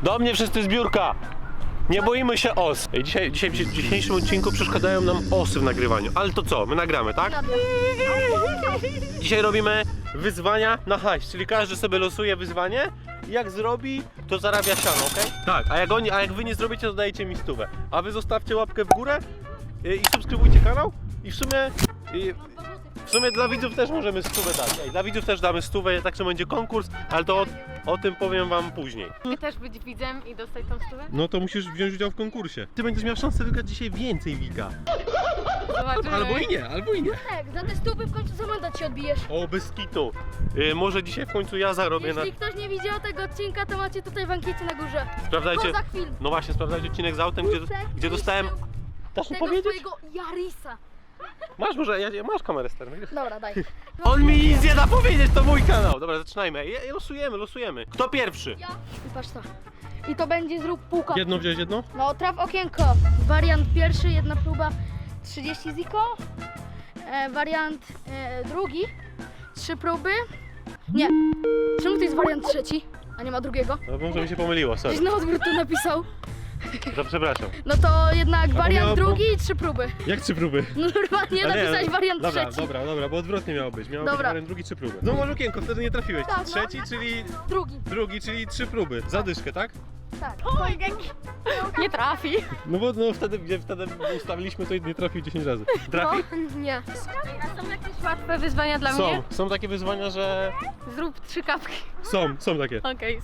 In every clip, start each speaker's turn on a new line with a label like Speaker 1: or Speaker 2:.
Speaker 1: Do mnie wszyscy zbiórka! Nie boimy się os. W dzisiejszym odcinku przeszkadzają nam osy w nagrywaniu. Ale to co? My nagramy, tak? Dzisiaj robimy wyzwania na hajs, czyli każdy sobie losuje wyzwanie i jak zrobi, to zarabia siano, okej? Tak, a jak wy nie zrobicie, to dajecie mi 100. A wy zostawcie łapkę w górę i subskrybujcie kanał i w sumie dla widzów też możemy 100 dać. Ej, dla widzów też damy 100, tak że będzie konkurs, ale to o tym powiem wam później.
Speaker 2: Ty też być widzem i dostać tą stówę?
Speaker 1: No to musisz wziąć udział w konkursie. Ty będziesz miał szansę wygrać dzisiaj więcej, Wika.
Speaker 2: Zobaczymy.
Speaker 1: Albo i nie, albo i nie.
Speaker 3: Tak, za te stópy w końcu za mandat się odbijesz.
Speaker 1: O, bez kitu. Może dzisiaj w końcu ja zarobię na...
Speaker 3: Jeśli ktoś nie widział tego odcinka, to macie tutaj w ankiecie na górze.
Speaker 1: Sprawdzajcie,
Speaker 3: Kozak film.
Speaker 1: no właśnie, sprawdzajcie odcinek z autem, gdzie dostałem... Dasz mi
Speaker 3: Tego
Speaker 1: powiedzieć?
Speaker 3: swojego Yarisa.
Speaker 1: Masz może, masz kamerę sterną.
Speaker 3: Dobra, daj.
Speaker 1: On mi nic nie da powiedzieć, to mój kanał. Dobra, zaczynajmy. Losujemy. Kto pierwszy?
Speaker 3: Ja. I patrz to. I to będzie zrób półka.
Speaker 1: Jedno wziąłeś jedno?
Speaker 3: No, traf okienko. Wariant pierwszy, jedna próba 30 ziko. Wariant drugi 3 próby. Nie. Czemu to jest wariant trzeci, a nie ma drugiego?
Speaker 1: No może mi się pomyliło, sorry.
Speaker 3: Gdzieś na odwrót to napisał.
Speaker 1: To przepraszam.
Speaker 3: No to jednak
Speaker 1: miało-
Speaker 3: wariant drugi i 3 próby.
Speaker 1: Jak 3 próby?
Speaker 3: No normalnie napisałeś wariant trzeci.
Speaker 1: Dobra, bo odwrotnie miało być. Miało być
Speaker 3: Dobra.
Speaker 1: wariant drugi, 3 próby. No może okienko, wtedy nie trafiłeś.
Speaker 3: Tak, no.
Speaker 1: Trzeci, czyli
Speaker 3: Drugi.
Speaker 1: drugi, czyli 3 próby. Zadyszkę, tak?
Speaker 3: Tak.
Speaker 2: Nie trafi.
Speaker 1: No bo wtedy ustawiliśmy to i nie trafił 10 razy. Trafi?
Speaker 3: Nie.
Speaker 2: A są jakieś łatwe wyzwania dla mnie?
Speaker 1: Są takie wyzwania, że...
Speaker 2: Zrób 3 kapki.
Speaker 1: Są takie.
Speaker 2: Okej.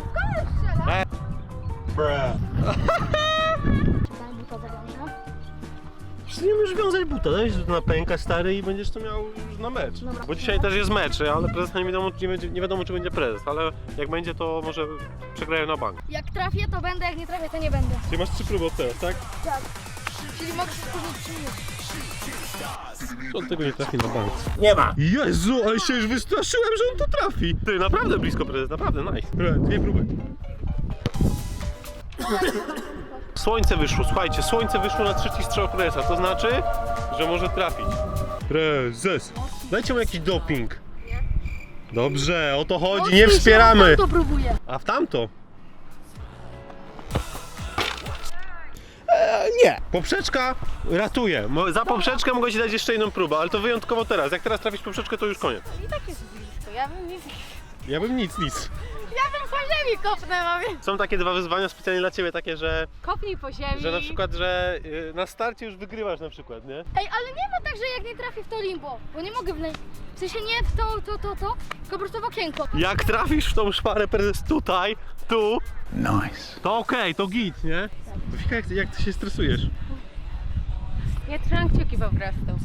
Speaker 3: Daj buta zawiążę.
Speaker 1: Nie możesz wiązać buta, dajesz to na pęka stary i będziesz to miał już na mecz.
Speaker 3: Dobra.
Speaker 1: Bo dzisiaj też jest mecz, ale prezes nie wiadomo czy będzie prezes, ale jak będzie to może przegrają na bank.
Speaker 3: Jak trafię to będę, jak nie trafię to nie będę.
Speaker 1: Czyli masz 3 próby od teraz, tak?
Speaker 3: Tak. Czyli mogę się spóźnić 3 minuty.
Speaker 1: On tego nie trafi na bank. Nie ma! Jezu, ale się już wystraszyłem, że on to trafi! Ty, naprawdę blisko prezes, naprawdę, nice. Dobra, 2 próby. Słońce wyszło, słuchajcie, słońce wyszło na trzeci strzał prezesa, to znaczy, że może trafić. Prezes, dajcie mu jakiś doping. Dobrze, o to chodzi, nie wspieramy.
Speaker 3: To próbuję.
Speaker 1: A w tamto? Nie. Poprzeczka ratuje. Za poprzeczkę mogę ci dać jeszcze jedną próbę, ale to wyjątkowo teraz. Jak teraz trafisz poprzeczkę, to już koniec.
Speaker 2: I tak jest blisko.
Speaker 1: Ja bym nic.
Speaker 2: Ja bym po ziemi kopnę, mamie.
Speaker 1: Są takie 2 wyzwania specjalnie dla ciebie, takie, że
Speaker 2: Kopnij po ziemi.
Speaker 1: na przykład, że na starcie już wygrywasz na przykład, nie?
Speaker 3: Ej, ale nie ma tak, że jak nie trafię w to limbo, bo nie mogę w sensie nie w to, tylko po prostu w okienko.
Speaker 1: Jak trafisz w tą szparę prezes tutaj, tu, nice. To okej, to git, nie? Wika, jak ty się stresujesz?
Speaker 2: Ja trzymam kciuki po prostu.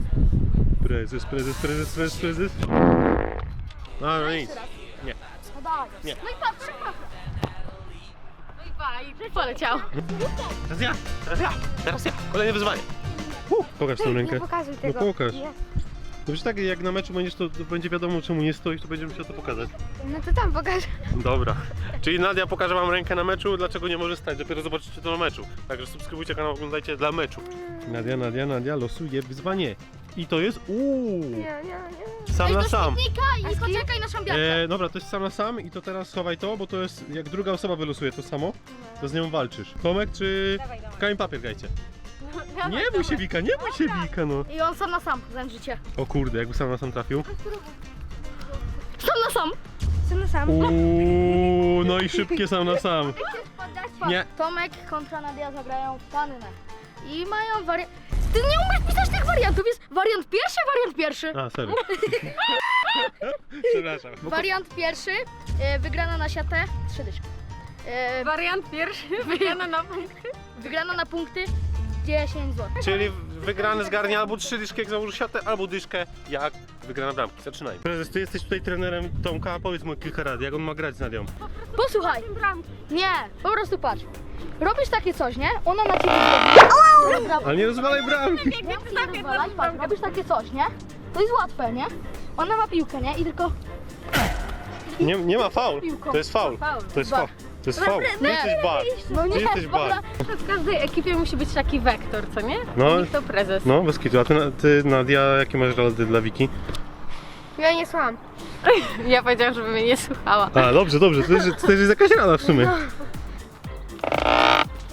Speaker 1: Prezes. No nic. Nie.
Speaker 3: No daj.
Speaker 1: Nie.
Speaker 3: No i patrz,
Speaker 2: No i pa, i poleciał.
Speaker 1: Teraz ja. Kolejne wyzwanie. Pokaż tą rękę.
Speaker 3: Nie pokazuj
Speaker 1: No
Speaker 3: tego.
Speaker 1: pokaż.
Speaker 3: Nie.
Speaker 1: Dobrze, tak jak na meczu będziesz, to będzie wiadomo czemu nie stoisz, to będziemy musiał to pokazać.
Speaker 3: No to tam pokaż.
Speaker 1: Dobra. Czyli Nadia pokaże wam rękę na meczu, dlaczego nie może stać. Dopiero zobaczycie to na meczu. Także subskrybujcie kanał, oglądajcie dla meczu. Nadia losuje wyzwanie. I to jest
Speaker 3: Nie.
Speaker 1: sam na sam.
Speaker 3: I poczekaj na szambiarkę.
Speaker 1: Dobra, to jest sam na sam i to teraz schowaj to, bo to jest, jak druga osoba wylosuje to samo, to z nią walczysz. Tomek czy
Speaker 2: Dawaj.
Speaker 1: kamień papier grajcie.
Speaker 2: Dawaj,
Speaker 1: Nie bój się Wika, no.
Speaker 3: I on sam na sam, zemrzycie.
Speaker 1: O kurde, jakby sam na sam trafił.
Speaker 3: Sam na sam. Sam na sam.
Speaker 1: No i szybkie sam na sam. Nie.
Speaker 3: Tomek kontra Nadia zagrają w pannę. I mają wariant... Ty nie umiesz pisać tych wariantów, jest wariant pierwszy.
Speaker 1: A, sorry. Przepraszam.
Speaker 3: Wariant pierwszy, wygrana na siatę, 3 dyszki.
Speaker 2: Wariant pierwszy, wygrana na punkty.
Speaker 3: Wygrana na punkty, 10 zł.
Speaker 1: Czyli wygrany zgarnia albo 3 dyszki jak założy siatę, albo dyszkę jak wygrana bramki. Zaczynajmy. Prezes, ty jesteś tutaj trenerem Tomka, powiedz mu kilka rad, jak on ma grać z Nadią.
Speaker 3: Posłuchaj,
Speaker 2: Bramki.
Speaker 3: nie, po prostu patrz. Robisz takie coś, nie? Ona na ciebie zrobi.
Speaker 1: Ale nie rozwalaj bramki.
Speaker 3: Nie rozwalaj, patrz, robisz takie coś, nie? To jest łatwe, nie? Ona ma piłkę, nie? I tylko...
Speaker 1: Nie ma faul. To jest faul. To jest faul. To jest faul. Ty jesteś bar.
Speaker 3: No nie,
Speaker 1: Ty jesteś bar.
Speaker 2: W każdej ekipie musi być taki wektor, co nie?
Speaker 1: No.
Speaker 2: Niech to prezes.
Speaker 1: No, bez kitu. A ty Nadia, jakie masz rady dla Wiki?
Speaker 3: Ja nie słucham.
Speaker 2: Ja powiedziałam, żeby mnie nie słuchała.
Speaker 1: A, dobrze. To też jest jakaś rada w sumie.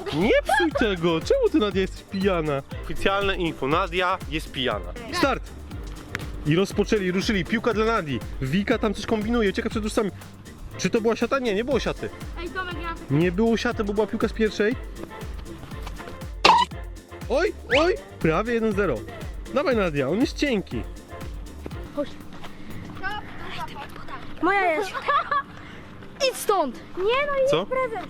Speaker 1: Nie psuj tego! Czemu ty, Nadia, jesteś pijana? Oficjalne info, Nadia jest pijana. Start! I ruszyli. Piłka dla Nadii. Wika tam coś kombinuje, ucieka przed różcami. Czy to była siata? Nie, nie było siaty.
Speaker 3: Ej, Tomek, ja...
Speaker 1: Nie było siaty, bo była piłka z pierwszej. Oj! Prawie 1-0. Dawaj, Nadia, on jest cienki.
Speaker 3: Moja jest. Idź stąd. Nie, no i
Speaker 1: Co?
Speaker 3: prezent.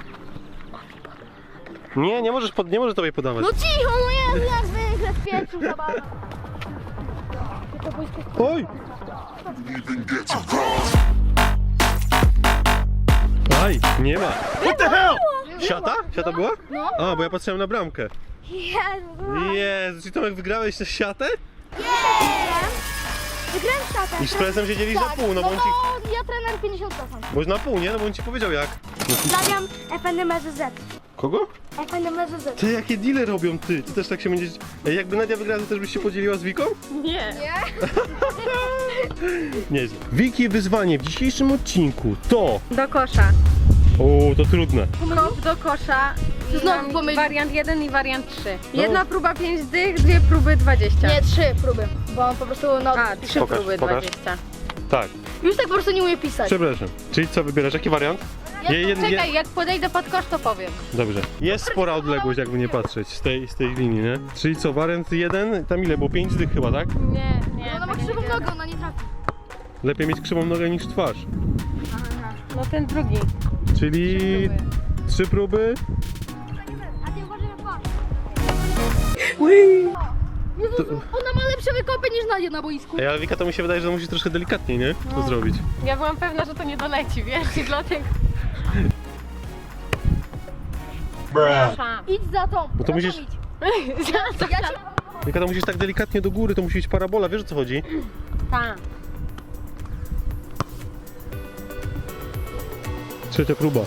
Speaker 1: Nie, nie możesz tobie podawać.
Speaker 3: No cicho, no jest jak zwykle z pierwszym zabawa.
Speaker 1: Oj! Aj, nie ma. What the hell? Siata? Siata była?
Speaker 3: No.
Speaker 1: A, bo ja patrzyłem na bramkę. Jezu, czy Tomek wygrałeś tę siatę?
Speaker 3: Wygrałem szatę.
Speaker 1: I z prezem siedzieli za pół, no bo on ci...
Speaker 3: No, ja trener 50%.
Speaker 1: Bo na pół, nie? No bo on ci powiedział jak.
Speaker 3: Stawiam FNMZZ.
Speaker 1: Kogo?
Speaker 3: FNMZZ.
Speaker 1: Ty, jakie deale robią ty? Ty też tak się będziesz... Ej, jakby Nadia wygrała, to też byś się podzieliła z Wiką?
Speaker 2: Nie.
Speaker 1: Nieźle. Wiki wyzwanie w dzisiejszym odcinku to...
Speaker 2: Do kosza.
Speaker 1: O, to trudne.
Speaker 2: Kop do kosza.
Speaker 3: Znowu
Speaker 2: Mam
Speaker 3: pomylił.
Speaker 2: wariant 1 i wariant 3.
Speaker 1: No.
Speaker 2: Jedna próba 5 dych, dwie próby 20.
Speaker 3: Nie, 3 próby. Bo on po prostu no.
Speaker 2: A, 3
Speaker 1: Pokaż,
Speaker 2: próby
Speaker 1: pokaż.
Speaker 2: 20.
Speaker 1: Tak,
Speaker 3: Już tak po prostu nie umie pisać.
Speaker 1: przepraszam. Czyli co wybierasz? Jaki wariant?
Speaker 2: Czekaj, jak podejdę pod kosz, to powiem.
Speaker 1: Dobrze. Jest spora odległość, jakby nie patrzeć z tej linii, nie? Czyli co, wariant 1, tam ile było? 5 dych chyba, tak?
Speaker 2: Nie,
Speaker 3: No, ona ma
Speaker 2: tego nie
Speaker 3: krzywą
Speaker 2: wiem.
Speaker 3: nogę, ona nie trafi.
Speaker 1: Lepiej mieć krzywą nogę niż twarz.
Speaker 2: No ten drugi.
Speaker 1: Czyli 3 próby.
Speaker 3: A ty uważaj na twarz.
Speaker 1: To...
Speaker 3: Ona ma lepsze wykopy niż Nadia na boisku.
Speaker 1: Ej, ale Wika, to mi się wydaje, że musisz troszkę delikatniej, nie? To zrobić.
Speaker 2: Ja byłam pewna, że to nie doleci, wiesz, i dlatego...
Speaker 3: Idź za tą.
Speaker 1: No to
Speaker 3: za
Speaker 1: musisz-
Speaker 3: tą idź. Ja cię...
Speaker 1: Wika, to musisz tak delikatnie do góry, to musi być parabola, wiesz o co chodzi?
Speaker 2: Tak.
Speaker 1: Trzecia próba.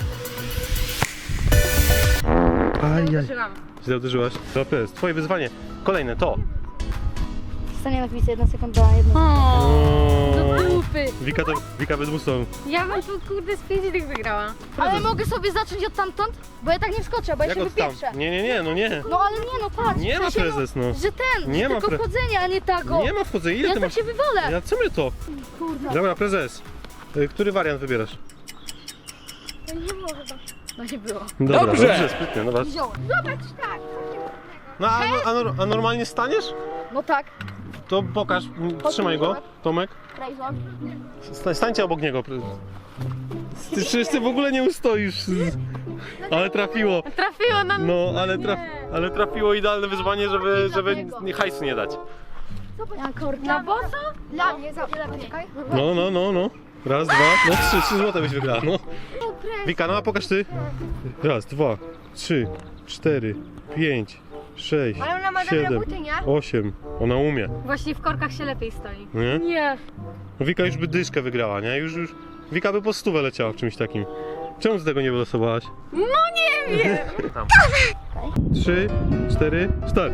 Speaker 1: Ajaj.
Speaker 2: Użyłam.
Speaker 1: Źle uderzyłaś. To jest twoje wyzwanie. Kolejne to.
Speaker 3: Stanie na chwilę, 1 sekunda, 1
Speaker 2: O, do dupy.
Speaker 1: Wika bez musu.
Speaker 2: Ja bym tu kurde z 5 dych wygrała.
Speaker 3: Ale mogę sobie zacząć od tamtąd? Bo ja tak nie wskoczę, bo ja
Speaker 1: Jak
Speaker 3: się
Speaker 1: od tam?
Speaker 3: wypieprzę.
Speaker 1: Nie, no nie.
Speaker 3: No ale nie, no patrz.
Speaker 1: Nie
Speaker 3: w
Speaker 1: ma
Speaker 3: sensie,
Speaker 1: prezes, no.
Speaker 3: Że ten,
Speaker 1: Nie
Speaker 3: że
Speaker 1: ma
Speaker 3: tylko chodzenie, a nie tego.
Speaker 1: Nie ma wchodzenia. Ile
Speaker 3: Ja
Speaker 1: ty
Speaker 3: tak
Speaker 1: masz?
Speaker 3: się wywolę.
Speaker 1: Ja co my to?
Speaker 3: Kurde.
Speaker 1: Dobra, prezes. Który wariant wybierasz?
Speaker 3: To nie było chyba. No nie było.
Speaker 1: Dobrze, sprytnie, no
Speaker 3: Wziąłem. Zobacz, tak.
Speaker 1: No a normalnie staniesz?
Speaker 3: No tak.
Speaker 1: To pokaż, trzymaj go, Tomek.
Speaker 3: Rejzon.
Speaker 1: Stańcie obok niego. Ty przecież ty w ogóle nie ustoisz. Ale trafiło.
Speaker 2: Trafiło na...
Speaker 1: No, ale trafiło idealne wyzwanie, żeby hajsu nie dać.
Speaker 2: Na boso?
Speaker 3: Dla mnie, czekaj.
Speaker 1: No. Raz, dwa, no 3 złote byś wygrała, no. Wika, no a pokaż ty. Raz, 2, 3, 4, 5, 6,
Speaker 3: Ale ona ma dobre
Speaker 1: 7,
Speaker 3: buty, nie?
Speaker 1: 8. Ona umie,
Speaker 2: Właśnie w korkach się lepiej stoi.
Speaker 1: nie?
Speaker 3: Nie.
Speaker 1: No Wika już by dyszkę wygrała, nie? Już. Wika by po 100 leciała w czymś takim. Czemu ty tego nie wylosowałaś?
Speaker 2: No nie wiem!
Speaker 1: 3, 4, start.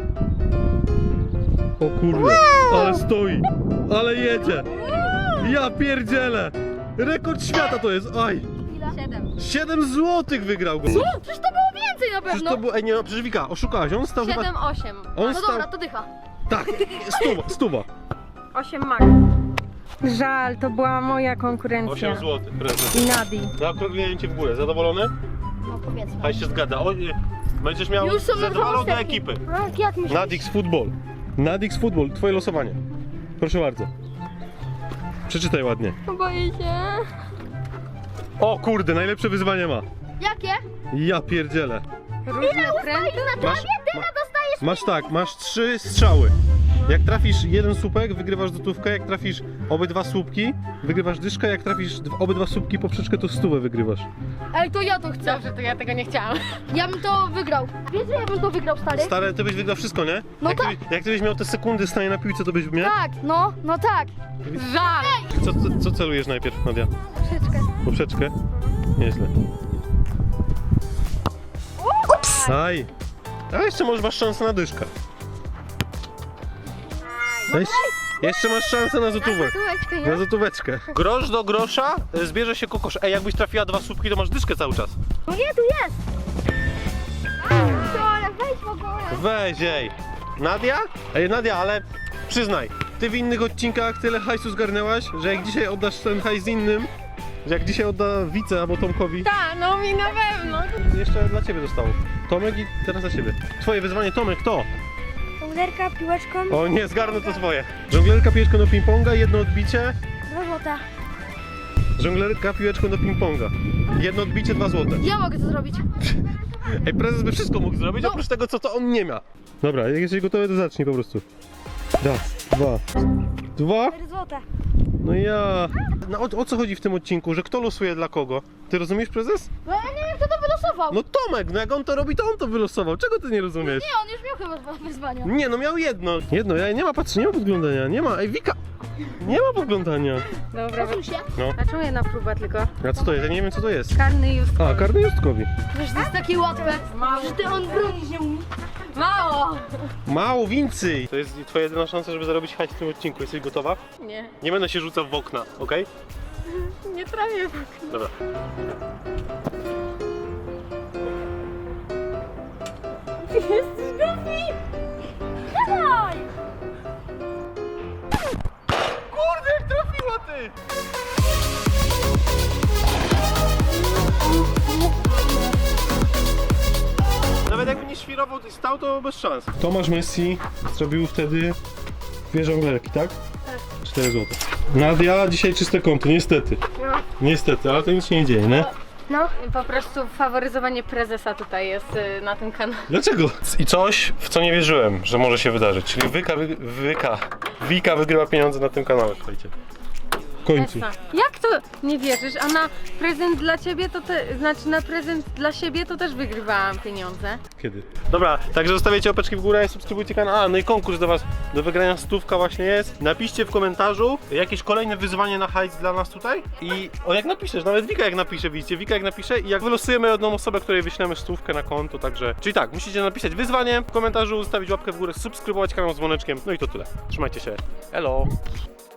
Speaker 1: O kurde, ale stoi, ale jedzie. Ja pierdzielę. Rekord świata to jest, aj.
Speaker 2: 7.
Speaker 1: 7 złotych wygrał go.
Speaker 3: Co? Przecież to było więcej na
Speaker 1: Przecież
Speaker 3: pewno.
Speaker 1: to było, ej nie, no, przecież Wika, oszukałaś, on stał chyba...
Speaker 2: 7, 8.
Speaker 1: On
Speaker 3: No
Speaker 1: stał,
Speaker 3: dobra, to dycha.
Speaker 1: tak, stuwa.
Speaker 2: 8 max. Żal, to była moja konkurencja.
Speaker 1: 8 złotych, prezes.
Speaker 2: I Nadi.
Speaker 1: Zaokrągliłem cię w górę, zadowolony?
Speaker 3: No powiedzmy.
Speaker 1: Haj się zgadza, będziesz miał
Speaker 3: Już są
Speaker 1: zadowoloną do
Speaker 3: następni.
Speaker 1: ekipy.
Speaker 3: Jak myślisz?
Speaker 1: Nadix Football. Nadix Football, twoje losowanie. Proszę bardzo. Przeczytaj ładnie.
Speaker 2: Boję się.
Speaker 1: O kurde, najlepsze wyzwanie ma.
Speaker 3: Jakie?
Speaker 1: Ja pierdzielę.
Speaker 2: Różne trendy.
Speaker 1: Masz, masz tak, masz 3 strzały. Jak trafisz jeden słupek, wygrywasz złotówkę, jak trafisz obydwa słupki, wygrywasz dyszkę, jak trafisz obydwa słupki poprzeczkę, to 100 wygrywasz.
Speaker 3: Ej, to ja to chcę.
Speaker 2: Dobrze, to ja tego nie chciałam.
Speaker 3: Ja bym to wygrał. Wiesz, że ja bym to wygrał, stary?
Speaker 1: Stary, ty byś wygrał wszystko, nie?
Speaker 3: No
Speaker 1: jak,
Speaker 3: tak.
Speaker 1: jak ty byś miał te sekundy stanie na piłce, to byś miał?
Speaker 3: Tak, no tak.
Speaker 2: Żal.
Speaker 1: Co celujesz najpierw, Nadia?
Speaker 3: Troszeczkę.
Speaker 1: Poprzeczkę? Nieźle. Aj! A jeszcze masz szansę na dyszkę. Jeszcze masz szansę na złotówę.
Speaker 3: Słuchajcie,
Speaker 1: Na złotóweczkę. Grosz do grosza zbierze się kokosz. Ej, jakbyś trafiła 2 słupki, to masz dyszkę cały czas.
Speaker 3: No nie, tu jest. wejdź w ogóle.
Speaker 1: Weź, ej. Nadia? Ej, Nadia, ale przyznaj, ty w innych odcinkach tyle hajsu zgarnęłaś, że jak dzisiaj oddasz ten hajs innym, że jak dzisiaj odda Wice albo Tomkowi,
Speaker 2: Tak, no mi na pewno.
Speaker 1: jeszcze dla ciebie zostało. Tomek i teraz dla ciebie. Twoje wyzwanie, Tomek, to?
Speaker 3: Kołderka, piłeczką,
Speaker 1: O nie, zgarnę to swoje. Żonglerka piłeczką do ping-ponga, jedno odbicie.
Speaker 3: 2 złote.
Speaker 1: Żonglerka piłeczką do ping-ponga. Jedno odbicie, 2 złote.
Speaker 3: Ja mogę to zrobić.
Speaker 1: Ej, prezes by wszystko mógł zrobić,
Speaker 3: No.
Speaker 1: oprócz tego, co to on nie ma. Dobra, jak jesteś gotowy, to zacznij po prostu. Raz, dwa.
Speaker 3: 4 złote.
Speaker 1: No ja... No, o co chodzi w tym odcinku, że kto losuje dla kogo? Ty rozumiesz, prezes?
Speaker 3: No ja nie wiem, kto to wylosował.
Speaker 1: No Tomek, no jak on to robi, to on to wylosował. Czego ty nie rozumiesz?
Speaker 3: Nie, on już miał chyba wyzwania.
Speaker 1: Nie, no miał jedno. Jedno, nie ma, patrz, nie ma podglądania, nie ma. Ej, Wika! Nie ma podglądania.
Speaker 2: Dobra,
Speaker 3: Posuń się.
Speaker 1: No,
Speaker 2: a czemu jedna próba tylko?
Speaker 1: a co to jest? Ja nie wiem, co to jest.
Speaker 2: Karny już.
Speaker 1: A, karny Justkowi.
Speaker 3: Wiesz, to jest takie łatwe,
Speaker 2: Mało.
Speaker 3: że ty on bronić nie umie.
Speaker 2: Mało!
Speaker 1: Mało więcej! To jest twoja jedyna szansa, żeby zarobić hajs w tym odcinku. Jesteś gotowa?
Speaker 2: Nie,
Speaker 1: Nie będę się rzucał w okna, okej?
Speaker 2: nie trafię.
Speaker 1: Dobra.
Speaker 3: Jesteś głupi. Dawaj.
Speaker 1: Kurde, jak trafiła ty! Nawet jakby nie świrował i stał, to bez szans. Tomasz Messi zrobił wtedy 2 żonglerki, tak? Tak. 4 zł. Nadia dzisiaj czyste konto, niestety.
Speaker 2: No.
Speaker 1: Niestety, ale to nic się nie dzieje, nie?
Speaker 2: No, po prostu faworyzowanie prezesa tutaj jest na tym kanale.
Speaker 1: Dlaczego? I coś, w co nie wierzyłem, że może się wydarzyć. Czyli Wika wygrywa pieniądze na tym kanale, słuchajcie. W końcu.
Speaker 2: Jak to nie wierzysz? A na prezent dla ciebie to znaczy na prezent dla siebie to też wygrywałam pieniądze.
Speaker 1: Kiedy? Dobra, także zostawiajcie łapeczki w górę, subskrybujcie kanał. A, no i konkurs do was, do wygrania 100 właśnie jest. Napiszcie w komentarzu jakieś kolejne wyzwanie na hajs dla nas tutaj. I jak napiszesz, nawet Wika jak napisze, widzicie, Wika jak napisze i jak wylosujemy jedną osobę, której wyślemy 100 na konto, także... Czyli tak, musicie napisać wyzwanie w komentarzu, zostawić łapkę w górę, subskrybować kanał z dzwoneczkiem, no i to tyle. Trzymajcie się, elo!